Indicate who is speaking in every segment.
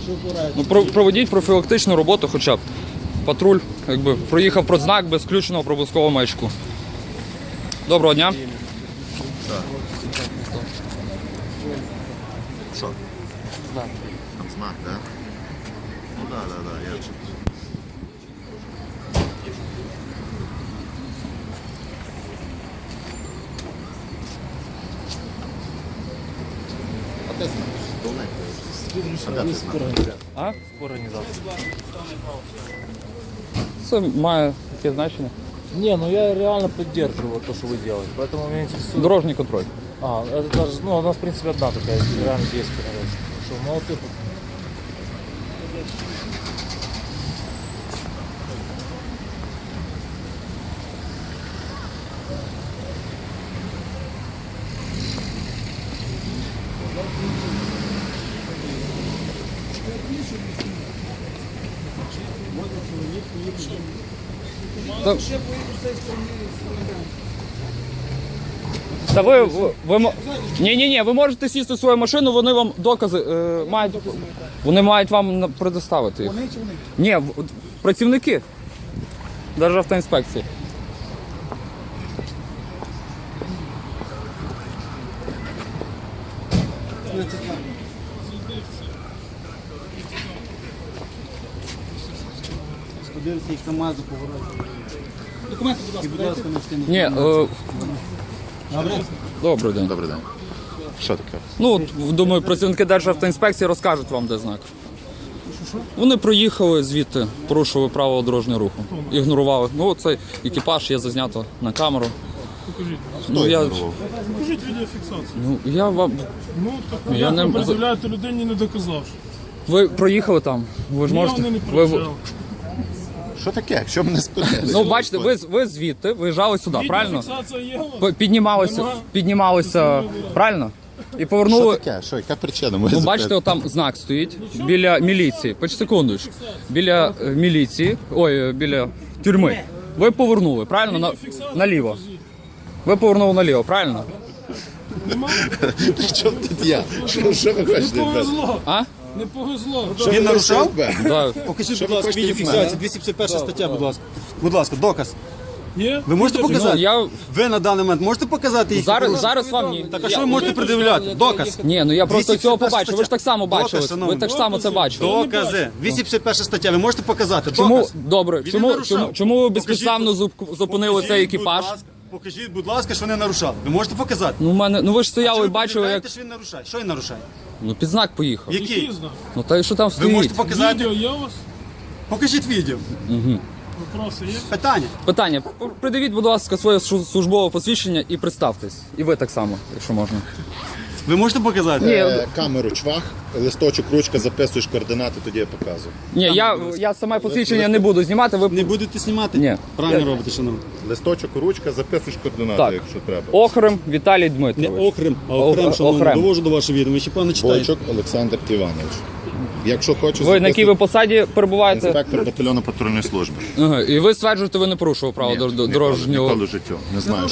Speaker 1: Ну, проведіть профілактичну роботу хоча б. Патруль, якби, проїхав про знак без включеного проблискового маячку. Доброго дня.
Speaker 2: Що? Знак. Там знак, так? Да? Ну да, я чую. А де знак?
Speaker 1: А?
Speaker 3: В организации.
Speaker 1: Це має таке значення.
Speaker 3: Не, ну я реально поддерживаю вот то, что вы делаете. Поэтому меня интересует.
Speaker 1: Дорожній контроль.
Speaker 3: Это даже, ну, у нас, в принципе, одна такая реально действие. Что, молодцы.
Speaker 1: Та ні, ви можете сісти в свою машину, вони вам докази мають. Вони мають вам предоставити їх.
Speaker 4: Вони чи вони?
Speaker 1: Ні, працівники Державтоінспекції.
Speaker 4: Подивіться, їх КамАЗу поворотів. Документи, будь ласка, дайте.
Speaker 1: Ні,
Speaker 4: Добре?
Speaker 1: добрий день.
Speaker 2: Добрий день. Що таке?
Speaker 1: Ну, от, думаю, працівники Державтоінспекції розкажуть вам, де знак. Вони проїхали звідти, порушували правила дорожнього руху. Ігнорували. Ну, цей екіпаж є зазнято на камеру.
Speaker 5: Покажіть.
Speaker 1: Ну, я,
Speaker 5: Покажіть відеофіксацію.
Speaker 1: ну, я вам...
Speaker 5: Ну, так
Speaker 1: Я
Speaker 5: як
Speaker 1: не-
Speaker 5: ви пред'являєте людині, не доказавши?
Speaker 1: Ви проїхали там? Ви ж
Speaker 5: Ні,
Speaker 1: можете...
Speaker 5: вони не
Speaker 1: ви...
Speaker 5: пред'являли.
Speaker 2: Що таке? Що мене спитали?
Speaker 1: Ну, бачите, ви звідти виїжджали сюди, правильно?
Speaker 5: Відеофіксація є у вас?
Speaker 1: Піднімалися, правильно? І
Speaker 2: Що
Speaker 1: повернули...
Speaker 2: таке? Що, яка причина?
Speaker 1: Ну, бачите, отам знак стоїть біля міліції. Секундочку. Біля міліції, біля тюрми. Ви повернули, правильно? Наліво. Ви повернули наліво, правильно?
Speaker 2: При чому тут я? Що ви
Speaker 5: Не
Speaker 2: хочете?
Speaker 5: повезло.
Speaker 1: А?
Speaker 5: Не повезло.
Speaker 4: Він нарушав?
Speaker 1: Да.
Speaker 4: Покажіть,
Speaker 2: Що
Speaker 4: будь
Speaker 2: ви
Speaker 4: ласка,
Speaker 2: хочете від
Speaker 4: відеофіксацію,
Speaker 2: мене?
Speaker 4: 251 стаття, будь ласка. Будь ласка, доказ.
Speaker 5: Є?
Speaker 4: Ви можете
Speaker 1: Ну,
Speaker 4: показати?
Speaker 1: я...
Speaker 4: Ви на даний момент можете показати їх?
Speaker 1: Зараз вам ні.
Speaker 4: Так, а що ви можете пред'являти? Доказ.
Speaker 1: Ні, ну я просто
Speaker 4: 251
Speaker 1: цього побачив. Ви ж так само
Speaker 4: Доказ,
Speaker 1: бачили.
Speaker 4: шановний.
Speaker 1: Ви так само це бачили.
Speaker 4: Докази. 251 стаття, ви можете показати?
Speaker 1: Чому,
Speaker 4: Доказ.
Speaker 1: добре,
Speaker 4: Він
Speaker 1: чому,
Speaker 4: не нарушав.
Speaker 1: чому ви безпідставно зупинили цей екіпаж?
Speaker 4: Покажіть, будь ласка, що не нарушав. Ви можете показати?
Speaker 1: Ну ви ж стояли і
Speaker 4: Чого ви
Speaker 1: бачили, як
Speaker 4: пред'являєте, що він нарушає? Що він нарушає?
Speaker 1: ну під знак поїхав.
Speaker 4: Який?
Speaker 5: Який знак?
Speaker 1: Ну та й що там
Speaker 4: Ви
Speaker 1: стоїть?
Speaker 4: можете показати?
Speaker 5: Відео є у вас?
Speaker 4: Покажіть відео.
Speaker 5: Вопроси є?
Speaker 4: Питання.
Speaker 1: Питання. Придивіть, будь ласка, своє службове посвідчення і представтесь. І ви так само, якщо можна.
Speaker 4: Ви можете показати?
Speaker 1: Ні,
Speaker 2: Камеру чвах, листочок, ручка, записуєш координати, тоді я показую.
Speaker 1: ні, я саме посвідчення не буду знімати. Ви
Speaker 4: Не будете знімати?
Speaker 1: Ні.
Speaker 4: Правильно робите, шановні.
Speaker 2: Листочок, ручка, записуєш координати,
Speaker 1: Так.
Speaker 2: якщо треба.
Speaker 1: Охрим Віталій
Speaker 4: Не
Speaker 1: Дмитрович.
Speaker 4: окрем, а окрем, шановні.
Speaker 1: Охрем.
Speaker 4: Довожу до вашого відома. Ви ще пане читаєте.
Speaker 2: Бойчук Олександр Іванович. Якщо хочеш,
Speaker 1: Ви на якій ви посаді перебуваєте?
Speaker 2: інспектор батальйону патрульної служби.
Speaker 1: Ага. І ви стверджуєте, ви не порушували право дорожнього.
Speaker 2: Ніколи в життю. Не знаю,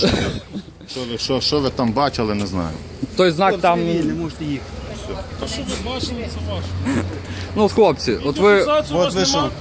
Speaker 2: що ви там бачили, не знаю.
Speaker 1: Той знак там.
Speaker 4: Не можете їхати.
Speaker 5: Те, що ви бачили, це ваше.
Speaker 1: Ну, хлопці, от ви.
Speaker 5: Фіксацію у вас
Speaker 4: ви що?
Speaker 5: нема?